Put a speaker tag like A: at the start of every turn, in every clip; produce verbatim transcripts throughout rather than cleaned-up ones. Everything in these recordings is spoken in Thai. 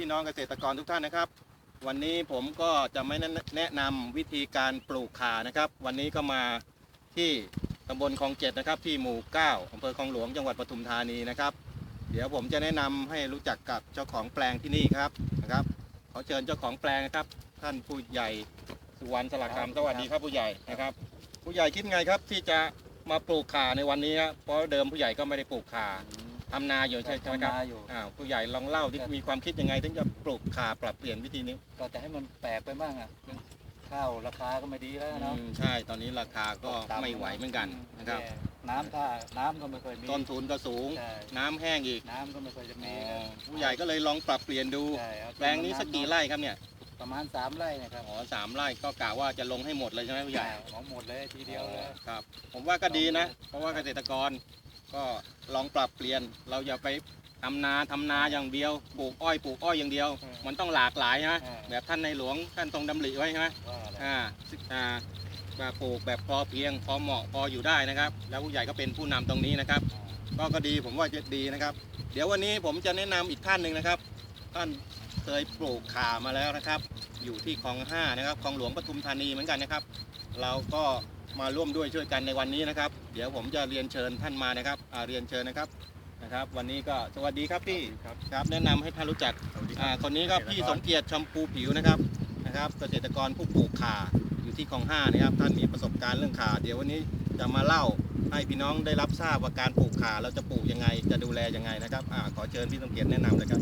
A: พี่น้องเกษตรกรทุกท่านนะครับวันนี้ผมก็จะไม่แนะนำวิธีการปลูกข่านะครับวันนี้ก็มาที่ตำบลคลองเจ็ดนะครับที่หมู่เก้าอำเภอคลองหลวงจังหวัดปทุมธานีนะครับเดี๋ยวผมจะแนะนำให้รู้จักกับเจ้าของแปลงที่นี่ครับนะครับขอเชิญเจ้าของแปลงนะครับท่านผู้ใหญ่สุวรรณสลักคำสวัสดีครับผู้ใหญ่นะครับผู้ใหญ่คิดไงครับที่จะมาปลูกข่าในวันนี้ครับเพราะเดิมผู้ใหญ่ก็ไม่ได้ปลูกข่าทำนาอยู่ใช่ไหมครับอ่าผู้ใหญ่ลองเล่าที่มีความคิดยังไงถึงจะปลูกข่าปรับเปลี่ยนวิธีนี้
B: ก็จะให้มันแปลกไปบ้างอ่ะข้าวราคาก็ไม่ดีแล้วเนาะ
A: ใช่ตอนนี้ราคาก็ไม่ไหวเหมือนกันนะครับ
B: น้ำท่าน้ำก็ไม่เคยมี
A: ต้นทุนก็สูงน้ำแห้งอีก
B: น้ำก็ไม่เคยจะมี
A: ผู้ใหญ่ก็เลยลองปรับเปลี่ยนดูแปลงนี้สักกี่ไร่ครับเนี่ย
B: ประมาณสามไร่นะครับ
A: อ๋อสามไร่ก็กะว่าจะลงให้หมดเลยใช่ไหมผู้ใหญ่
B: หมดเลยทีเดียวเลย
A: ครับผมว่าก็ดีนะเพราะว่าเกษตรกรก็ลองปรับเปลี่ยนเราอย่าไปทำนาทำนาอย่างเดียวปลูกอ้อยปลูกอ้อยอย่างเดียวมันต้องหลากหลายนะแบบท่านในหลวงท่านทรงดำริไว้ใช่ไหมอ่าอ่าแบบปลูกแบบพอเพียงพอเหมาะพออยู่ได้นะครับแล้วผู้ใหญ่ก็เป็นผู้นำตรงนี้นะครับก็ก็ดีผมว่าจะดีนะครับเดี๋ยววันนี้ผมจะแนะนำอีกท่านหนึ่งนะครับท่านเคยปลูกข่ามาแล้วนะครับอยู่ที่คลองห้านะครับคลองหลวงปทุมธานีเหมือนกันนะครับเราก็มาร่วมด้วยช่วยกันในวันนี้นะครับเดี๋ยวผมจะเรียนเชิญท่านมานะครับเรียนเชิญนะครับนะครับวันนี้ก็สวัสดีครับพี่ครับแนะนำให้ท่านรู้จักคนนี้ก็พี่สมเกียรติชมพูผิวนะครับนะครับเกษตรกรผู้ปลูกข่าอยู่ที่คลองห้านะครับท่านมีประสบการณ์เรื่องข่าเดี๋ยววันนี้จะมาเล่าให้พี่น้องได้รับทราบว่าการปลูกข่าเราจะปลูกยังไงจะดูแลยังไงนะครับขอเชิญพี่สมเกียรติแนะนำเลยครับ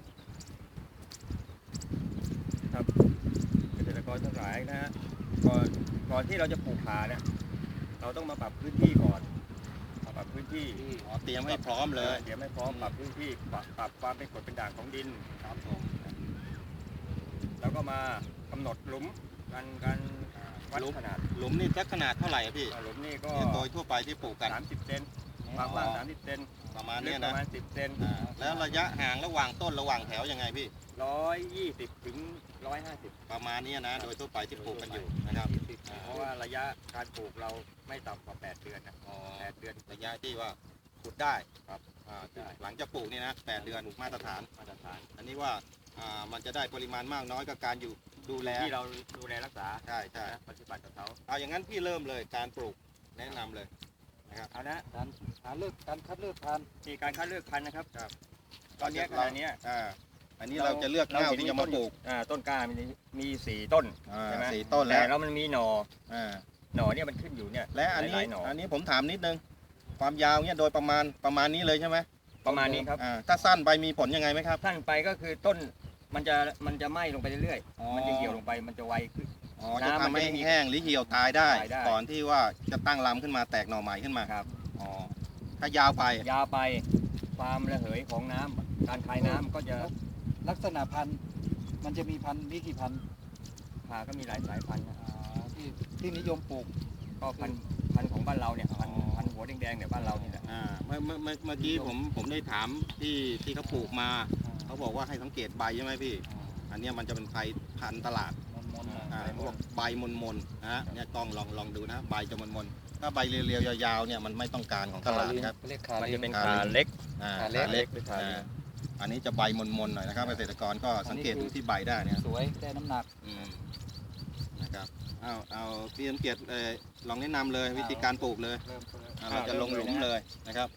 C: ครับเกษตรกรทั้งหลายนะฮะก่อนก่อนที่เราจะปลูกข่าเนี่ยเราต้องมาปรับพื้นที่ก่อนปรับพื้นที่
A: เตรียมให้พร้อมเลย
C: เตรียมให้พร้อมปรับพื้นที่ปรับปรับความเป็นกรดเป็นด่างของดิน
A: ครับผม
C: แล้วก็มากำหนดหลุมการการวัดขนาด
A: หลุมนี่สักขนาดเท่าไหร่พี่
C: หลุมนี่ก็
A: โดยทั่วไปที่ปลูกกัน
C: สามสิบเซนความกว้างสามสิบเซน
A: ประมาณนี้นะ
C: ประมาณสิบเซน
A: แล้วระยะห่างระหว่างต้นระหว่างแถวยังไงพี่
C: ร้อยยี่สิบถึงร้อยห้าสิบ
A: ประมาณนี้นะโดยทั่วไปที่ปลูกกันอยู่นะครับ
C: เพราะว่าระยะการปลูกเราไม่ต่ำกว่าแปดเดือนนะแปดเดือน
A: ระยะที่ว่าปลูกได้ครับหลังจากปลูกนี่นะแปดเดือนมาตรฐาน
C: มาตรฐาน
A: อันนี้ว่ามันจะได้ปริมาณมากน้อยกับการอยู่ดูแล
C: ที่เราดูแลรักษา
A: ใช่ใช่
C: ปฏิบัติกับเขา
A: เอาอย่างนั้นพี่เริ่มเลยการปลูกแนะนำเลยนะครับ
C: เอานะ
B: การหาเลือกการคัดเลือกพันธุ์
C: มีการคัดเลือกพันธุ์นะครับตอนนี้ขณะนี้
A: อันนี้เราจะเลือกเง่าที่จะมาปลูก
C: ต้นกล้ามีมีสี่ต้นใช่ไหม
A: สี่ต้นแล้ว
C: แล้วมันมีหน่อหน่อเนี่ยมันขึ้นอยู่เนี่ย
A: และอันนี้อันนี้ผมถามนิดนึงความยาวเนี่ยโดยประมาณประมาณนี้เลยใช่ไหม
C: ประมาณนี้ครับ
A: ถ้าสั้นไปมีผลยังไงไหมครับ
C: สั้นไปก็คือต้นมันจะมันจะไหม้ลงไปเรื่อยๆมันจะเหี่ยวลงไปมันจะไวขึ้น
A: อ๋อจะทำให้แห้งหรือเหี่ยวตายได้ก่อนที่ว่าจะตั้งลำขึ้นมาแตกหน่อใหม่ขึ้นมา
C: ครับ
A: อ๋อถ้ายาวไป
C: ยาวไปความระเหยของน้ำการคายน้ำก็จะ
B: ลักษณะพันธุ์มันจะมีพันธุ์มีกี่พันธุ์
C: ข่าก็มีหลายสายพันธุ์
B: ที่ที่นิยมปลูก
C: ก็พันธุ์พันธุ์ของบ้านเราเนี่ยพันธุ์พันธุ์หัวแดงๆเนี่ยบ้านเราเนี่ย
A: อ่าเมื่อเมื่อเมื่อกี้ผมผมได้ถามที่ที่เขาปลูกมาเขาบอกว่าให้สังเกตใบใช่ไหมพี่อันนี้มันจะเป็นไฟพันธุ์ตลาดอ่าพวกใบมนมนนะฮะเนี่ยกล้องลองลองดูนะใบจะมนมนถ้าใบเรียวๆยาวๆเนี่ยมันไม่ต้องการของตลาดครับ
C: มันจะเป็นขาเล็ก
A: อ่าขาเล็กอันนี้จะใบมนมนหน่อยนะครับเกษตรกรก็สังเกตดูที่ใบได้เนี่ย
B: สวยได้น้ำหนัก
A: นะครับเอาเอาพี่สังเกตลองแนะนำเลยวิธีการปลูกเลยเราจะลงหลุมเลยนะครับ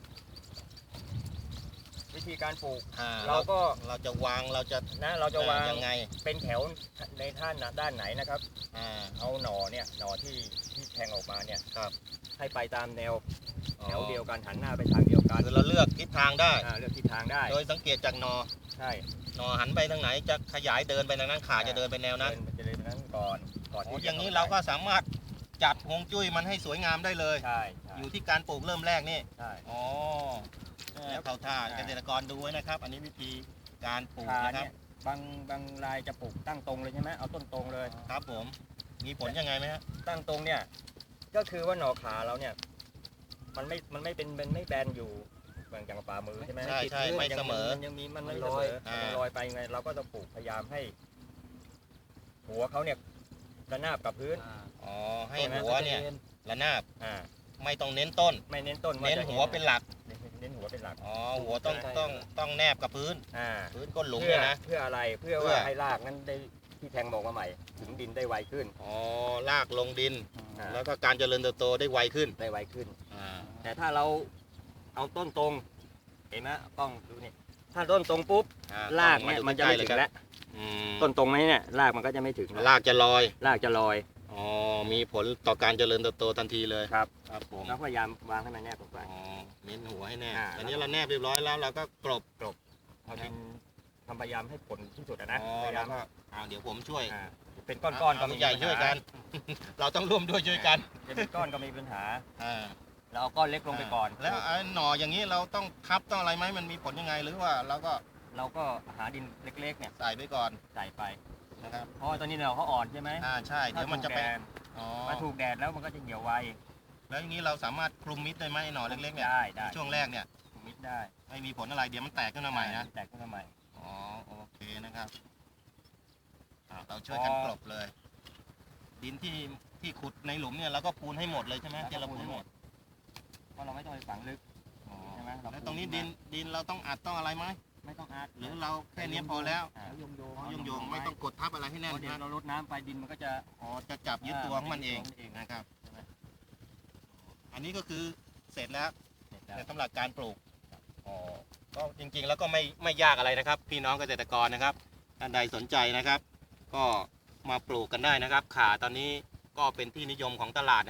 C: วิธีการปลูก
A: เราก็เราจะวางเราจะ
C: นะเราจะวาง
A: ยังไง
C: เป็นแถวในท่านด้านไหนนะครับเอาหน่อเนี่ยหน่อที่ที่แทงออกมาเนี่ย
A: ครับ
C: ให้ไปตามแนวแถวเดียวกันหันหน้าไปทางเดียวกัน
A: คือเราเลือกทิศทางได้
C: เลือกทิศทางได้
A: โดยสังเกตจากหน่อ
C: ใช่
A: หน่อหันไปทางไหนจะขยายเดินไปทางนั้นขาจะเดินไปแนวนั้น
C: จะเดินไปนั้นก่อนก่อน
A: อย่างนี้เราก็สามารถจัดฮวงจุ้ยมันให้สวยงามได้เลย
C: ใช่
A: อยู่ที่การปลูกเริ่มแรกนี่
C: ใช่
A: อ๋อแล้วเขาท่าเกษตรกรดูไว้นะครับอันนี้วิธีการปลูกนะครับ
C: บางบางรายจะปลูกตั้งตรงเลยใช่ไหมเอาต้นตรงเลย
A: ครับผมมีผลยังไงไหมฮะ
C: ตั้งตรงเนี่ยก็คือว่าหน่อขาเราเนี่ยมันไม่มันไม่เป็นมันไม่แบนอยู่บางอย่างฝ่ามือใช่ไหม
A: ใช่ใช่ไม่เสมอ
C: มันยังมีมันไม่ลอยมันลอยไปไงเราก็ต้องปลูกพยายามให้หัวเขาเนี่ยระนาบกับพื้น
A: อ๋อให้หัวเนี่ยระนาบอ่าไม่ต้องเน้นต้น
C: ไม่เน้นต้น
A: เน้นหัวเป็นหลัก
C: เน้นหัวเป็นหลัก
A: อ๋อหัวต้องต้องต้องแนบกับพื้น
C: อ่า
A: พื้นก้นหลุม
C: เพื่อ
A: เนี่ยนะ
C: เพื่ออะไรเพื่อ
A: เพื่อ
C: ว่าให้รากนั้นได้ที่แทงหมอกมาใหม่ ถึงดินได้ไวขึ้น
A: อ๋อลากลงดิน
C: อ่า
A: แล้วก็การเจริญเติบโตได้ไวขึ้น
C: ได้ไวขึ้น
A: อ่า
C: แต่ถ้าเราเอาต้นตรงเห็นไหมกล้องดูนี่ถ้าต้นตรงปุ๊บ
A: อ่
C: รากเนี่ยมันจะไม่ถึงแล้ว
A: อืม
C: ต้นตรงไหมเนี่ยรากมันก็จะไม่ถึง
A: รากจะลอย
C: รากจะลอย
A: อ๋อมีผลต่อการเจริญเติบโตทันทีเลย
C: ครับ
A: ครับผม
C: แล้วพยายามวางให้มันแนบลงไป
A: อ๋อเน้นหัวให้แนบ
C: อ่า
A: อันนี้เราแนบเรียบร้อยแล้วเราก็กลบ
C: เอาดินทำพยายามให้ผลที่สุดอะนะ
A: อ๋อ
C: พยายา
A: แล้
C: ม
A: วก็อ่าเดี๋ยวผมช่วย
C: อ่าเป็นก้อนๆก็
A: เา
C: ไม่
A: ใหญ่ช่วยกัน เราต้องร่วมด้วยช่วยกัน
C: จะเป็นก้อนก็ไม่มีปัญหา
A: อ่า
C: เราเอาก้อนเล็กลงไปก่อน
A: แล้วไอ้หน่ออย่างนี้เราต้องทับต้องอะไรไหมมันมีผลยังไงหรือว่าเราก็
C: เราก็หาดินเล็กๆเนี่ย
A: ใส่ไปก่อน
C: ใส่ไป
A: นะครับ
C: เพราะว่าตอนนี้เราเขาอ่อนใช่ไหม
A: อ่าใช่เดี๋ยวมันจะไป
C: ถ้าถูกแดด
A: อ๋อ
C: ถ้าถูกแดดแล้วมันก็จะเหี่ยวไว
A: แล้วอย่างนี้เราสามารถคลุมมิดได้ไหมไอ้หน่อเล็กๆเนี่ย
C: ได้ได้
A: ช่วงแรกเนี่ย
C: มิดได้
A: ไม่มีผลอะไรเดี๋ยวมันแตกขึ้นมาใหม่นะ
C: แตกขึ้นมาใหม่
A: อ๋อโอเคนะครับอ่าเราช่วยกันกลบเลย ดินที่ที่ขุดในหลุมเนี่ยเราก็ปูนให้หมดเลยใช่ไหมที่เราปูนให้หมด
C: เพราะเราไม่ต้องไปฝังลึก
A: อ๋อ
C: ใช่ไหมเรา
A: แล้วตรงนี้
C: ปูน
A: ดินดินเราต้องอัดต้องอะไรไหม
C: ไม่ต้องอาร์ต
A: หรือเราแค่นี้พอแล้ว
C: อ่า
B: โยงโยง
A: โยงโยงๆไม่ต้องกดทับอะไรให้แน่น
C: เพราะเดี๋ยว
A: นะ
C: เราลดน้ำไปดินมันก็จะ
A: อ๋อจะจับยึดตัวของมันเอง
C: เอง
A: นะครับ
C: ใช่ไหม
A: อันนี้ก็คือเสร็จแล้ว
C: เสร็จแล้ว
A: ในสำหรับการปลูกอ๋อก็จริงๆแล้วก็ไม่ไม่ยากอะไรนะครับ พี่น้องเกษตรกรนะครับท่านใดสนใจนะครับ ก็มาปลูกกันได้นะครับข่าตอนนี้ก็เป็นที่นิยมของตลาด